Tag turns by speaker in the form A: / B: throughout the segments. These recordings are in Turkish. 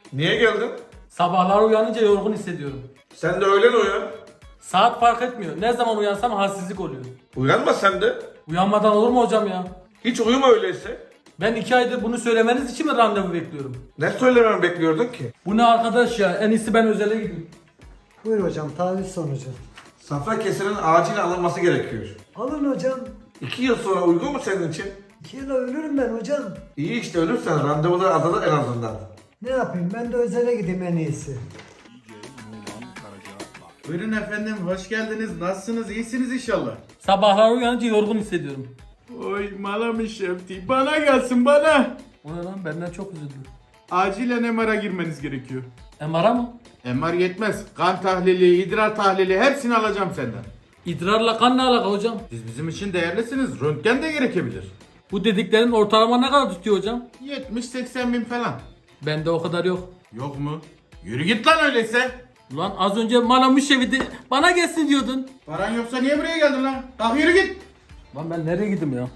A: Niye geldin?
B: Sabahlar uyanınca yorgun hissediyorum.
A: Sen de öğlen uyan.
B: Saat fark etmiyor. Ne zaman uyansam halsizlik oluyor.
A: Uyanma sen de.
B: Uyanmadan olur mu hocam ya?
A: Hiç uyuma öyleyse.
B: Ben 2 aydır bunu söylemeniz için mi randevu bekliyorum?
A: Ne söylememi bekliyordun ki?
B: Bu ne arkadaş ya? En iyisi ben özele gideyim.
C: Buyur hocam, taviz sonucu.
A: Safra kesenin acil alınması gerekiyor.
C: Alın hocam.
A: 2 yıl sonra uygun mu senin için?
C: 2 yıla ölürüm ben hocam.
A: İyi işte ölürsen randevular azalır en azından.
C: Ne yapayım, ben de özele gideyim en iyisi.
D: Buyurun efendim, hoş geldiniz. Nasılsınız? İyisiniz inşallah.
B: Sabahlar uyanınca yorgun hissediyorum.
D: Oy malamış Şefti. Bana gelsin bana.
B: O ne lan? Benden çok üzüldü.
D: Acilen MR'a girmeniz gerekiyor.
B: MR'a mı?
D: MR yetmez. Kan tahlili, idrar tahlili hepsini alacağım senden.
B: İdrarla kan ne alaka hocam?
D: Siz bizim için değerlisiniz. Röntgen de gerekebilir.
B: Bu dediklerin ortalama ne kadar tutuyor hocam?
D: 70-80 bin falan.
B: Bende o kadar yok.
D: Yok mu? Yürü git lan öyleyse.
B: Ulan az önce bana müşevidi bana gelsin diyordun.
D: Paran yoksa niye buraya geldin lan? Kalk yürü git.
B: Lan ben nereye gideyim ya?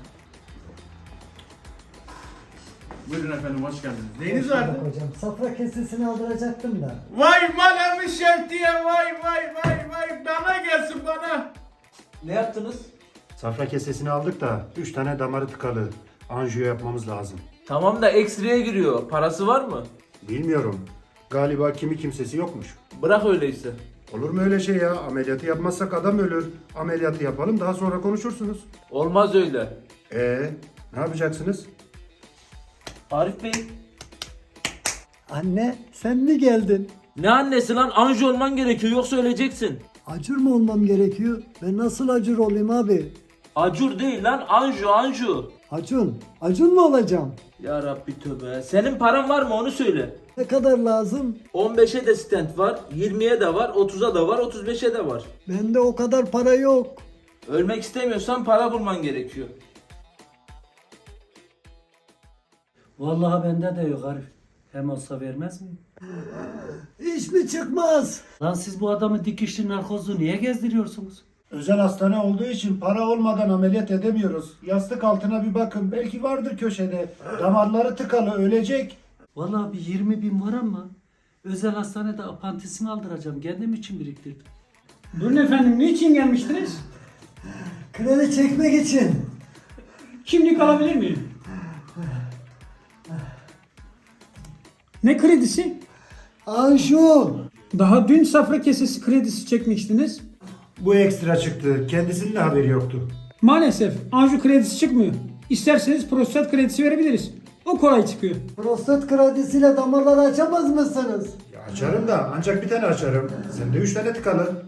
D: Buyurun efendim, hoş geldiniz.
C: Hoş
D: Neyiniz
C: bulduk
D: vardı?
C: hocam. Safra kesesini aldıracaktım da.
D: Vay malamış Şefti'ye vay. Bana gelsin bana.
B: Ne yaptınız?
E: Safra kesesini aldık da 3 tane damarı tıkalı. Anjiyo yapmamız lazım.
F: Tamam da X-ray'e giriyor. Parası var mı?
E: Bilmiyorum. Galiba kimi kimsesi yokmuş.
F: Bırak öyleyse.
E: Olur mu öyle şey ya? Ameliyatı yapmazsak adam ölür. Ameliyatı yapalım, daha sonra konuşursunuz.
F: Olmaz öyle.
E: Ne yapacaksınız?
F: Arif Bey.
C: Anne, sen mi geldin?
F: Ne annesi lan? Anji olman gerekiyor yoksa öleceksin.
C: Acur mu olmam gerekiyor? Ben nasıl acur olayım abi?
F: Acur değil lan, Anju.
C: Acun mu olacağım?
F: Ya Rabbi tövbe. Senin paran var mı onu söyle.
C: Ne kadar lazım?
F: 15'e de stent var, 20'ye de var, 30'a da var, 35'e de var.
C: Bende o kadar para yok.
F: Ölmek istemiyorsan para bulman gerekiyor.
G: Vallahi bende de yok Arif. Hem olsa vermez miyim?
C: İş mi çıkmaz?
G: Lan siz bu adamı dikişli narkozlu niye gezdiriyorsunuz?
E: Özel hastane olduğu için para olmadan ameliyat edemiyoruz. Yastık altına bir bakın. Belki vardır köşede. Damarları tıkalı, ölecek.
G: Vallahi bir 20 bin var ama özel hastanede apantisimi aldıracağım. Kendim için biriktirdim.
H: Buyurun efendim, niçin gelmiştiniz?
C: Kredi çekmek için.
H: Kimlik alabilir miyim? Ne kredisi?
C: Anju.
H: Daha dün safra kesesi kredisi çekmiştiniz.
E: Bu ekstra çıktı. Kendisinin de haberi yoktu.
H: Maalesef Anju kredisi çıkmıyor. İsterseniz prostat kredisi verebiliriz. O kolay çıkıyor.
C: Prostat kredisiyle damarları açamaz mısınız?
E: Ya açarım da ancak bir tane açarım. Sende 3 tane tıkalı.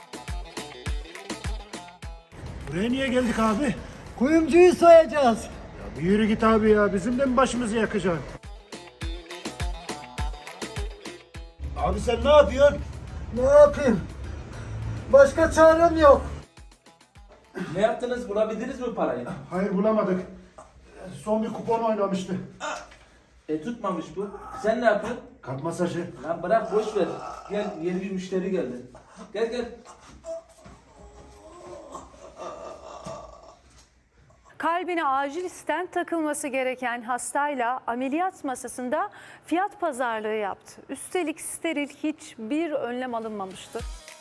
E: Buraya niye geldik abi?
C: Kuyumcuyu soyacağız.
E: Ya bir yürü git abi ya. Bizim de mi başımızı yakacaksın? Abi sen ne yapıyorsun?
C: Ne yapayım? Başka çarem yok.
F: Ne yaptınız? Bulabildiniz mi parayı?
E: Hayır bulamadık. Son bir kupon oynamıştı.
F: Tutmamış bu. Sen ne yapıyorsun?
E: Kalp masajı.
F: Lan bırak boş ver. Gel, yeni bir müşteri geldi. Gel.
I: Kalbine acil stent takılması gereken hastayla ameliyat masasında fiyat pazarlığı yaptı. Üstelik steril hiçbir önlem alınmamıştı.